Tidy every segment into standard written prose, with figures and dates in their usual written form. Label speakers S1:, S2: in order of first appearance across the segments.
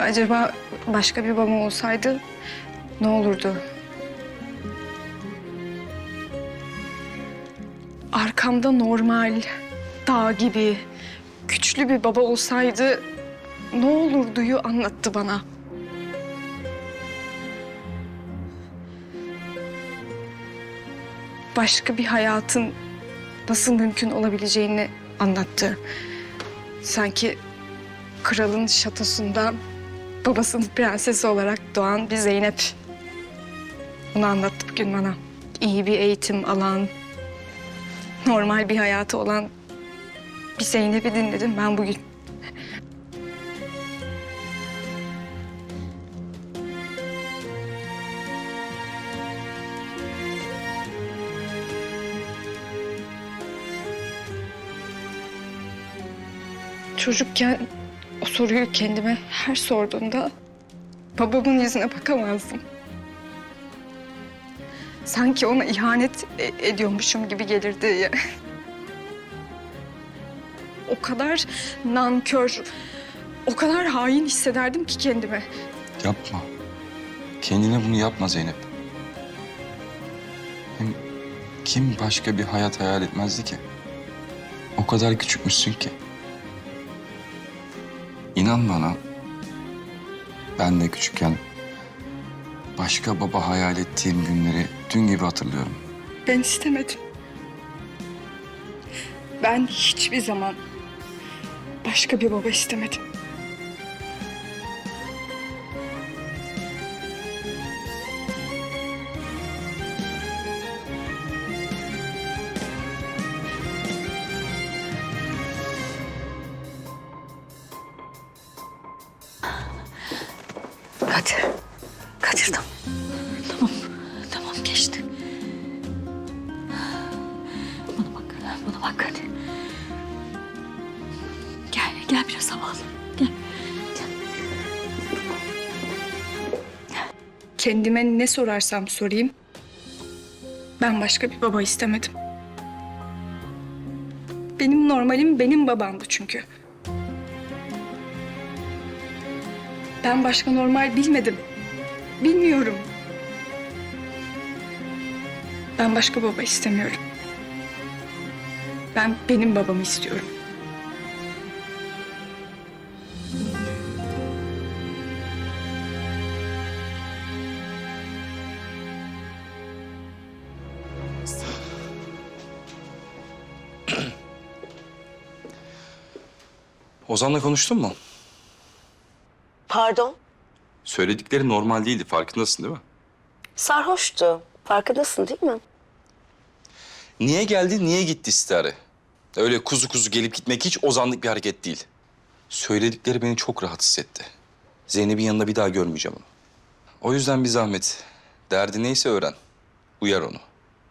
S1: Acaba başka bir babam olsaydı ne olurdu? Arkamda normal, dağ gibi, güçlü bir baba olsaydı ne olurduyu anlattı bana. Başka bir hayatın nasıl mümkün olabileceğini anlattı. Sanki kralın şatosundan babasının prensesi olarak doğan bir Zeynep. Bunu anlattı bugün bana. İyi bir eğitim alan, normal bir hayatı olan bir Zeynep'i dinledim ben bugün. Çocukken o soruyu kendime her sorduğumda babamın yüzüne bakamazdım. Sanki ona ihanet ediyormuşum gibi gelirdi ya. O kadar nankör, o kadar hain hissederdim ki kendimi.
S2: Yapma. Kendine bunu yapma Zeynep. Hem kim başka bir hayat hayal etmezdi ki? O kadar küçükmüşsün ki. İnan bana, ben de küçükken başka baba hayal ettiğim günleri dün gibi hatırlıyorum.
S1: Ben istemedim. Ben hiçbir zaman başka bir baba istemedim.
S3: Kadir tamam. Tamam geçti. Bana bak hadi. Gel biraz hava al. Gel.
S1: Kendime ne sorarsam sorayım, ben başka bir baba istemedim. Benim normalim benim babamdı çünkü. Ben başka normal bilmedim. Bilmiyorum. Ben başka baba istemiyorum. Ben benim babamı istiyorum.
S2: Ozan'la konuştun mu?
S4: Pardon,
S2: Söyledikleri normal değildi, farkındasın değil mi?
S4: sarhoştu. Farkındasın değil mi?
S2: Niye geldi, niye gitti istihare? Öyle kuzu kuzu gelip gitmek hiç Ozan'lık bir hareket değil. Söyledikleri beni çok rahatsız etti. Zeynep'in yanında bir daha görmeyeceğim onu. O yüzden bir zahmet. Derdi neyse öğren. Uyar onu.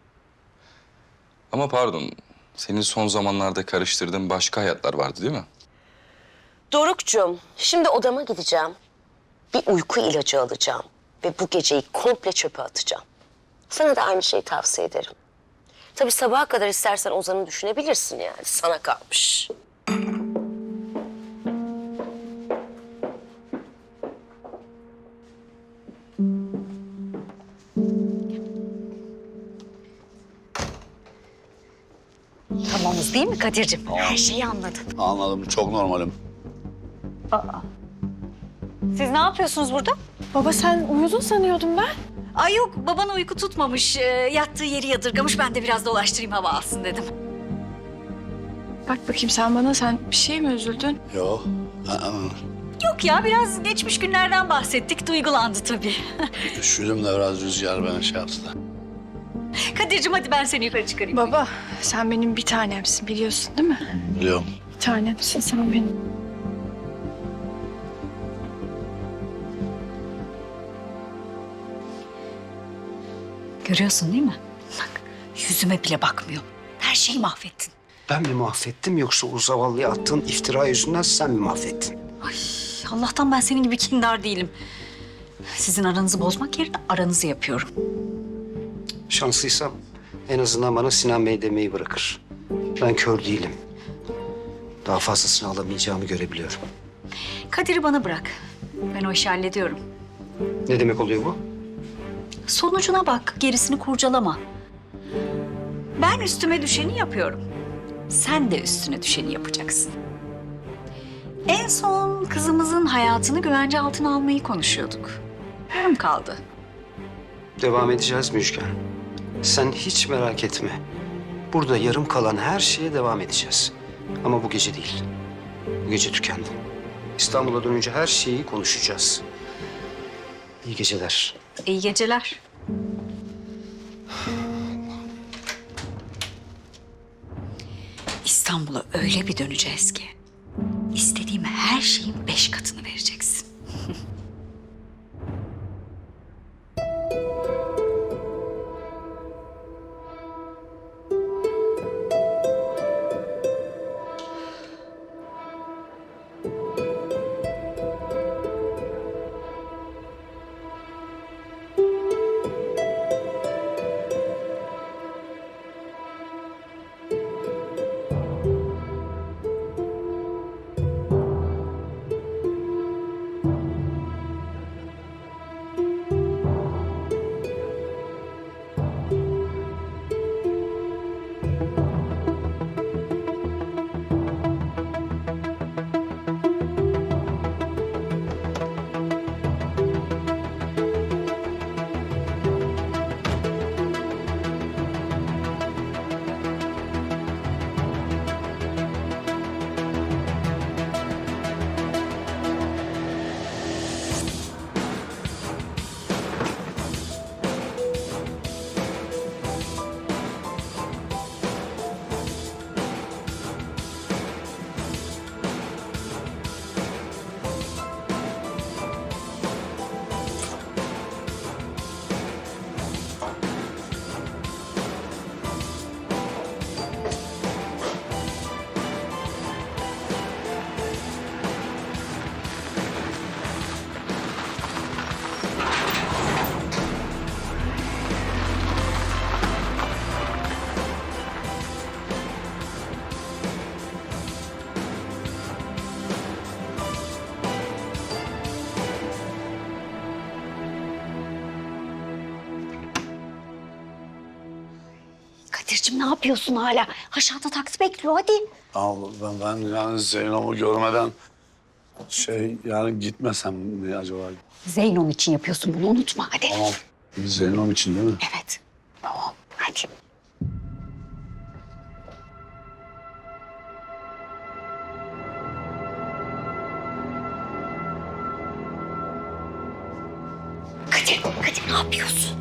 S2: Ama pardon, senin son zamanlarda karıştırdığın başka hayatlar vardı değil mi?
S4: Dorukcuğum, şimdi odama gideceğim. Bir uyku ilacı alacağım. Ve bu geceyi komple çöpe atacağım. Sana da aynı şeyi tavsiye ederim. Tabii sabaha kadar istersen Ozan'ı düşünebilirsin yani. Sana kalmış.
S3: Tamamız değil mi Kadir'cim? Her şeyi anladın.
S5: Anladım, çok normalim.
S3: Siz ne yapıyorsunuz burada?
S1: Baba sen uyudun sanıyordum ben.
S3: Ay yok, baban uyku tutmamış. Yattığı yeri yadırgamış. Ben de biraz dolaştırayım, hava alsın dedim.
S1: Bak bakayım sen bana, sen bir şey mi üzüldün?
S5: Yok.
S3: Yok ya, biraz geçmiş günlerden bahsettik. Duygulandı tabii.
S5: Üşüdüm de biraz rüzgar beni şey yaptı da.
S3: Kadir'cim hadi ben seni yukarı çıkarayım.
S1: Baba sen benim bir tanemsin, biliyorsun değil mi?
S5: Biliyorum.
S1: Bir tanemsin sen benim.
S3: Görüyorsun değil mi? Bak, yüzüme bile bakmıyor. Her şeyi mahvettin.
S6: Ben mi mahvettim yoksa o zavallıya attığın iftira yüzünden sen mi mahvettin?
S3: Ay Allah'tan ben senin gibi kindar değilim. Sizin aranızı bozmak yerine aranızı yapıyorum.
S6: Şanslıysam en azından bana Sinan Bey demeyi bırakır. Ben kör değilim. Daha fazlasını alamayacağımı görebiliyorum.
S3: Kadir'i bana bırak. Ben o işi hallediyorum.
S6: Ne demek oluyor bu?
S3: Sonucuna bak, gerisini kurcalama. Ben üstüme düşeni yapıyorum. Sen de üstüne düşeni yapacaksın. En son kızımızın hayatını güvence altına almayı konuşuyorduk. Yarım kaldı.
S6: Devam edeceğiz Müjgan. Sen hiç merak etme. Burada yarım kalan her şeye devam edeceğiz. Ama bu gece değil. Bu gece tükendi. İstanbul'a dönünce her şeyi konuşacağız. İyi geceler.
S3: İyi geceler. İstanbul'a öyle bir döneceğiz ki istediğim her şeyin 5 katını vereceksin.
S7: Kadir'cim ne yapıyorsun hala? Aşağıda taksi bekliyor hadi.
S5: Ama ben yani Zeynep'i görmeden yani gitmesem mi acaba?
S7: Zeynon için yapıyorsun bunu unutma hadi.
S5: Tamam. Zeynep için değil mi?
S7: Evet. Tamam hadi. Kadir ne yapıyorsun?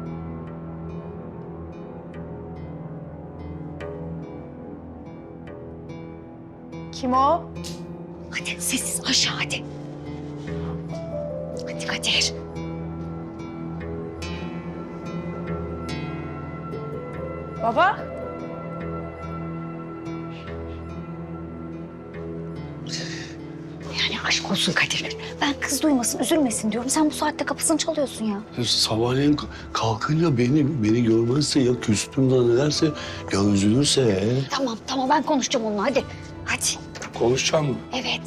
S1: Kim o?
S7: Hadi sessiz aşağı hadi. Hadi Kadir.
S1: Baba?
S7: Yani aşk olsun Kadir. Ben kız duymasın, üzülmesin diyorum. Sen bu saatte kapısını çalıyorsun ya.
S5: Sabahleyin kalkınca beni görmezse ya küstüm zannederse ya üzülürse.
S7: Tamam ben konuşacağım onunla hadi. Hadi.
S5: Konuşacağım mı?
S7: Evet.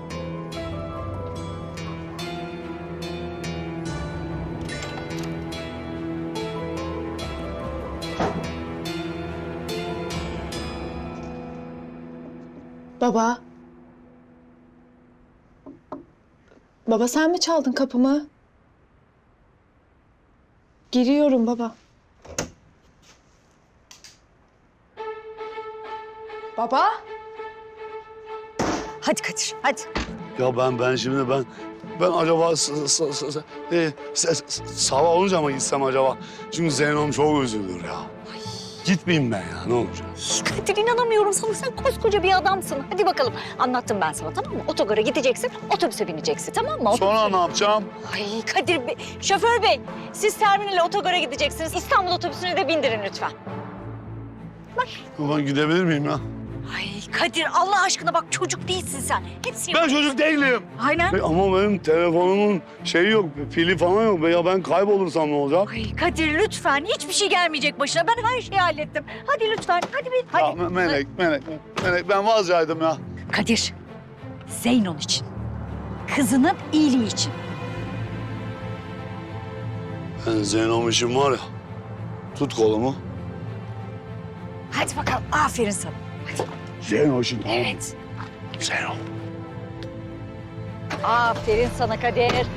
S1: Baba. Baba sen mi çaldın kapımı? Giriyorum baba. Baba?
S7: Hadi Kadir hadi.
S5: Ya ben şimdi ben acaba sabah olunca mı gitsem acaba? Çünkü Zeynep çok üzülür ya. Gitmeyeyim ben ya ne olacak?
S7: Kadir inanamıyorum sana. Sen koskoca bir adamsın. Hadi bakalım. Anlattım ben sana tamam mı? Otogara gideceksin, otobüse bineceksin tamam mı?
S5: Sonra ne yapacağım?
S7: Ay Kadir Bey, şoför bey siz terminale otogara gideceksiniz. İstanbul otobüsüne de bindirin lütfen.
S5: Ben gidebilir miyim ya?
S7: Ay Kadir Allah aşkına bak çocuk değilsin sen. Hepsini...
S5: Ben çocuk değilim.
S7: Aynen.
S5: Ama benim telefonumun şeyi yok, pili falan yok. Ya ben kaybolursam ne olacak?
S7: Ay Kadir lütfen hiçbir şey gelmeyecek başına. Ben her şeyi hallettim. Hadi lütfen hadi bin. Hadi.
S5: Ya Melek ben vazgeçtim ya.
S7: Kadir, Zeynon için. Kızının iyiliği için.
S5: Ben Zeynom için var ya, tut kolumu.
S7: Hadi bakalım, aferin sana.
S5: Zeynom için tamam mı?
S7: Evet.
S5: Zeynom.
S7: Aferin sana Kader. Hadi.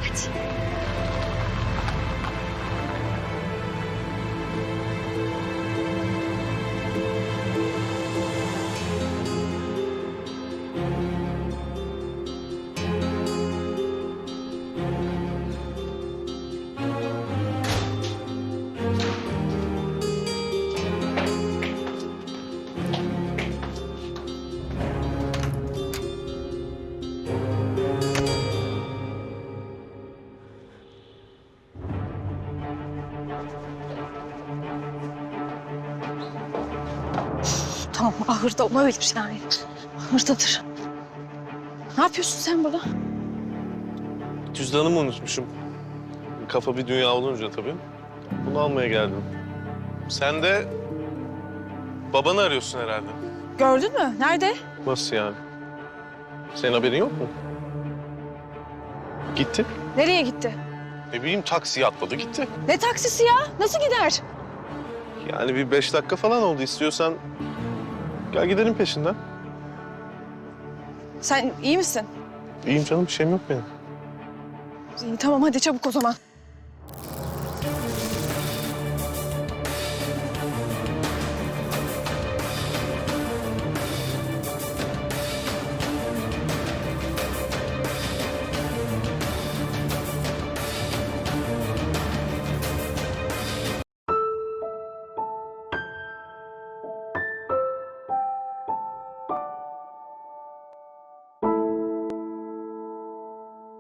S1: Tamam, ahırda olabilir yani. Ahırdadır. Ne yapıyorsun sen burada?
S8: Cüzdanımı unutmuşum. Kafa bir dünya olunca tabii. Bunu almaya geldim. Sen de babanı arıyorsun herhalde.
S1: Gördün mü? Nerede?
S8: Nasıl yani? Senin haberin yok mu? Gitti.
S1: Nereye gitti?
S8: Ne bileyim taksiye atladı gitti.
S1: Ne taksisi ya? Nasıl gider?
S8: Yani bir 5 dakika falan oldu. İstiyorsan gel gidelim peşinden.
S1: Sen iyi misin?
S8: İyiyim canım bir şeyim yok benim.
S1: İyi, tamam hadi çabuk o zaman.